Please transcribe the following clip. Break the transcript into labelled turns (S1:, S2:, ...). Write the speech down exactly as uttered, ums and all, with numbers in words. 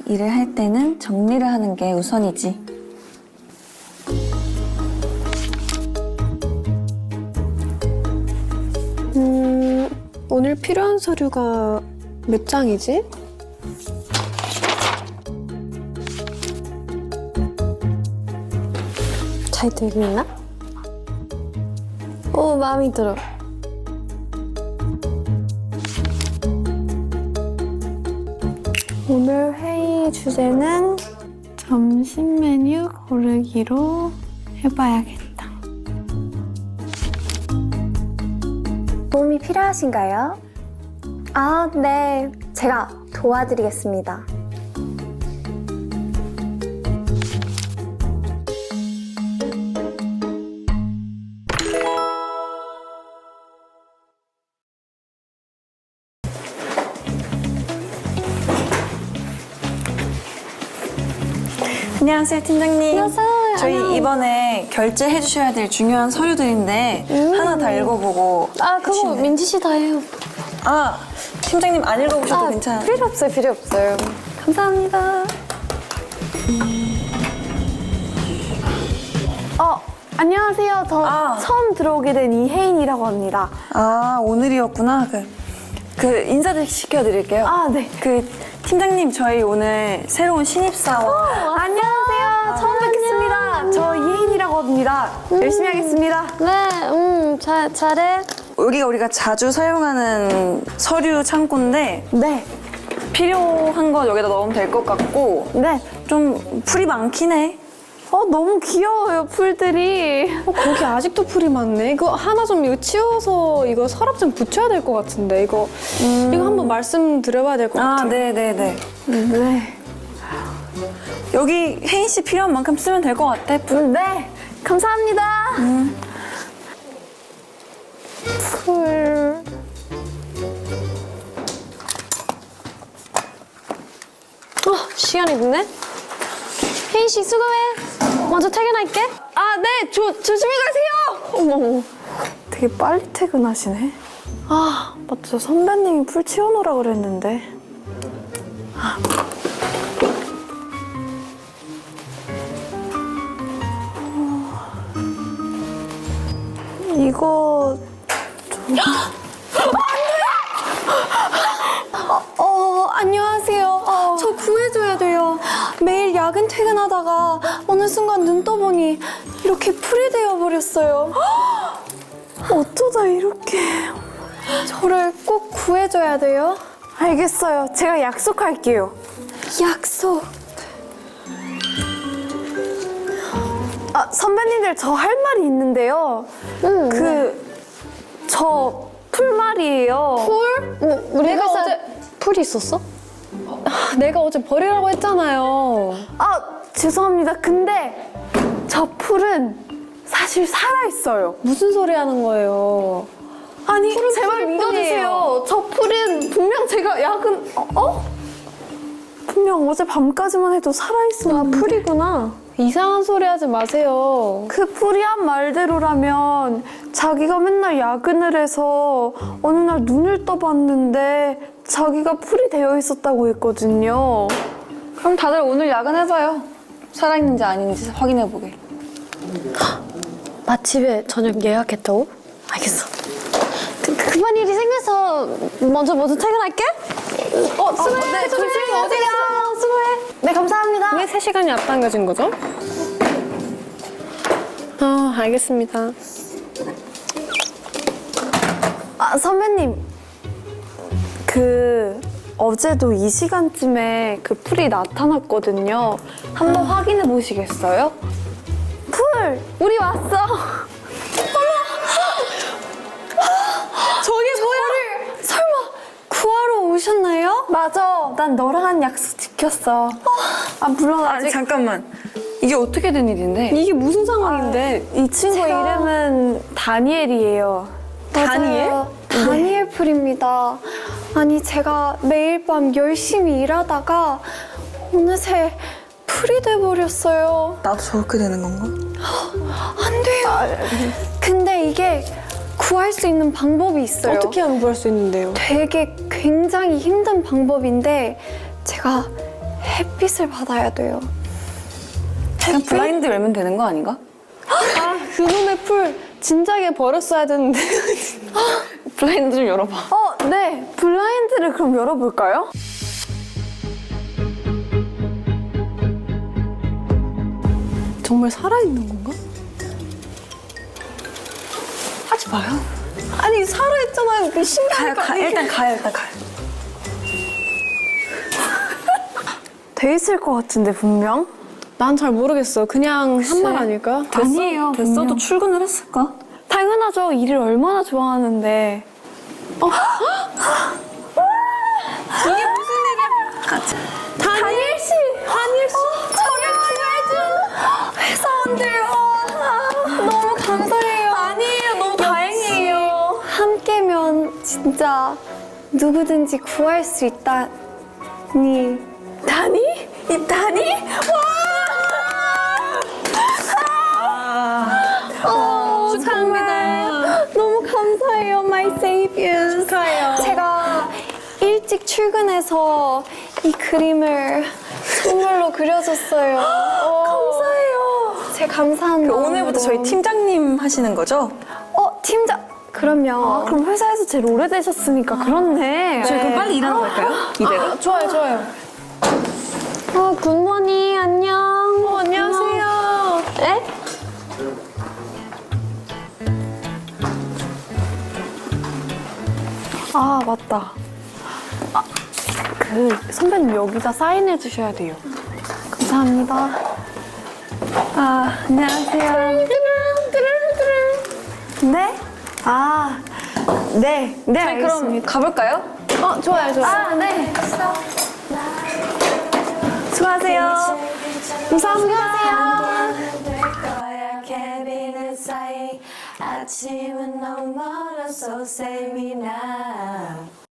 S1: 일을 할 때는 정리를 하는 게 우선이지.
S2: 음, 오늘 필요한 서류가 몇 장이지? 잘 들고 있나? 오, 마음에 들어. 오늘 회의 주제는 점심 메뉴 고르기로 해봐야겠다.
S3: 도움이 필요하신가요? 아, 네. 제가 도와드리겠습니다.
S1: 안녕하세요, 팀장님.
S3: 안녕하세요.
S1: 저희
S3: 안녕.
S1: 이번에 결제해 주셔야 될 중요한 서류들인데
S3: 음.
S1: 하나 다 읽어보고
S3: 아, 그거
S1: 해주시면 돼요.
S3: 민지 씨 다 해요.
S1: 아, 팀장님 안 읽어보셔도
S3: 아,
S1: 괜찮아요.
S3: 필요 없어요, 필요 없어요. 감사합니다. 어, 안녕하세요. 저
S1: 아.
S3: 처음 들어오게 된 이혜인이라고 합니다.
S1: 아, 오늘이었구나. 그, 그 인사 시켜드릴게요.
S3: 아, 네.
S1: 그 팀장님, 저희 오늘 새로운 신입사원.
S3: 안녕하세요. 처음 뵙겠습니다. 저 이혜인이라고 합니다. 열심히 하겠습니다.
S2: 네, 음, 잘, 잘해.
S1: 여기가 우리가 자주 사용하는 서류 창고인데
S3: 네,
S1: 필요한 거 여기다 넣으면 될 것 같고
S3: 네.
S1: 좀 풀이 많긴 해.
S3: 어, 너무 귀여워요, 풀들이.
S2: 어, 거기 아직도 풀이 많네. 이거 하나 좀 이거 치워서 이거 서랍 좀 붙여야 될 것 같은데 이거 이거 한번 말씀드려봐야 될 것
S1: 아,
S2: 같아요.
S1: 네네네.
S3: 네.
S1: 여기 혜인 씨 필요한 만큼 쓰면 될 것 같아.
S3: 음, 네, 감사합니다. 풀.
S2: 어, 시간이 늦네. 혜인 씨 수고해. 먼저 퇴근할게.
S3: 아, 네, 조, 조심히 가세요. 어머, 어머. 되게 빨리 퇴근하시네. 아, 맞죠. 선배님이 풀 치워놓으라 그랬는데. 아. 어, 이거 좀... 어, 어, 안녕하세요. 저 구해줘야 돼요. 매일 야근 퇴근하다가 어느 순간 눈 떠보니 이렇게 풀이 되어버렸어요. 어쩌다 이렇게... 저를 꼭 구해줘야 돼요. 알겠어요. 제가 약속할게요. 약속. 아, 선배님들 저 할 말이 있는데요.
S2: 응.
S3: 그... 저 풀말이에요.
S2: 풀? 뭐, 우리
S3: 내가
S2: 회사
S3: 어제-
S2: 풀이 있었어? 내가 어제 버리라고 했잖아요.
S3: 아, 죄송합니다. 근데 저 풀은 사실 살아있어요.
S2: 무슨 소리 하는 거예요?
S3: 아니,
S2: 풀은
S3: 제발
S2: 풀일
S3: 믿어주세요. 저 풀은 분명 제가 야근... 어? 어? 분명 어제 밤까지만 해도
S2: 아,
S3: 살아있었는데
S2: 풀이구나. 이상한 소리 하지 마세요.
S3: 그 풀이 한 말대로라면 자기가 맨날 야근을 해서 어느 날 눈을 떠봤는데 자기가 풀이 되어 있었다고 했거든요.
S1: 그럼 다들 오늘 야근해봐요. 살아있는지 아닌지 확인해보게.
S2: 맛집에 저녁 예약했다고? 알겠어. 그, 그, 급한 일이 생겨서 먼저 먼저 퇴근할게. 어, 수고해.
S3: 네,
S2: 조심히
S3: 조심히
S2: 어디가.
S3: 오세요.
S2: 수고해.
S3: 네, 감사합니다.
S2: 왜 세 시간이 앞당겨진 거죠? 아, 알겠습니다.
S3: 아, 선배님. 그 어제도 이 시간쯤에 그 풀이 나타났거든요. 한번 확인해 보시겠어요? 풀! 우리 왔어!
S1: 저게 뭐야?
S3: 설마 구하러 오셨나요? 맞아. 난 너랑 한 약속 지켰어. 아, 물론
S1: 아니,
S3: 아직
S1: 잠깐만. 이게 어떻게 된 일인데?
S2: 이게 무슨 상황인데?
S3: 이 친구
S2: 제가-
S3: 이름은 다니엘이에요.
S1: 다니엘?
S3: 맞아요. 다니엘 풀입니다. 아니, 제가 매일 밤 열심히 일하다가 어느새 풀이 돼버렸어요.
S1: 나도 저렇게 되는 건가?
S3: 안 돼요. 근데 이게 구할 수 있는 방법이 있어요.
S2: 어떻게 하면 구할 수 있는데요?
S3: 되게 굉장히 힘든 방법인데 제가 햇빛을 받아야 돼요.
S1: 그냥 블라인드 열면 되는 거 아닌가?
S3: 아, 그놈의 풀 진작에 버렸어야 되는데.
S1: 블라인드 좀 열어봐.
S3: 어, 네. 블라인드를 그럼 열어볼까요? 정말 살아있는 건가?
S1: 하지 마요.
S3: 아니, 살아있잖아요. 그
S1: 가요,
S3: 신기하니까.
S1: 가. 일단 가요, 일단 가요.
S3: 돼 있을 것 같은데, 분명? 난 잘 모르겠어. 그냥 한 말 아닐까?
S1: 아니에요. 됐어도
S3: 분명.
S1: 출근을 했을까?
S3: 당연하죠. 일을 얼마나 좋아하는데. 어? 이게 무슨 일이야? 다니엘 씨! 다니엘 씨! 저를 구해준 회사원들! 아, 너무 감사해요. 아니에요. 너무 다행이에요. 함께면 진짜 누구든지 구할 수 있다니. 다니? 이 다니? 와!
S1: 축하합니다.
S3: 너무 감사해요, my saviors.
S1: 축하해요.
S3: 제가 일찍 출근해서 이 그림을 선물로 그려줬어요. 감사해요. 제 감사한 마음으로.
S1: 오늘부터 저희 팀장님 하시는 거죠?
S3: 어, 팀장. 그럼요. 아, 그럼 회사에서 제일 오래되셨으니까 그렇네.
S1: 저희 그럼 빨리 일하러 갈까요? 이대로?
S3: 아, 좋아요, 좋아요. 어, 굿모닝, 안녕. 어, 안녕하세요. 네? 아, 맞다. 아, 그 선배님 여기다 사인해 주셔야 돼요. 감사합니다. 아, 안녕하세요. 네? 아, 네, 네,
S1: 저희 그럼
S3: 알겠습니다.
S1: 가볼까요?
S3: 어, 좋아요, 좋아요. 아, 네. 수고하세요. 감사합니다.
S4: 캐비넷 사이 아침은 너무 멀어서 save me now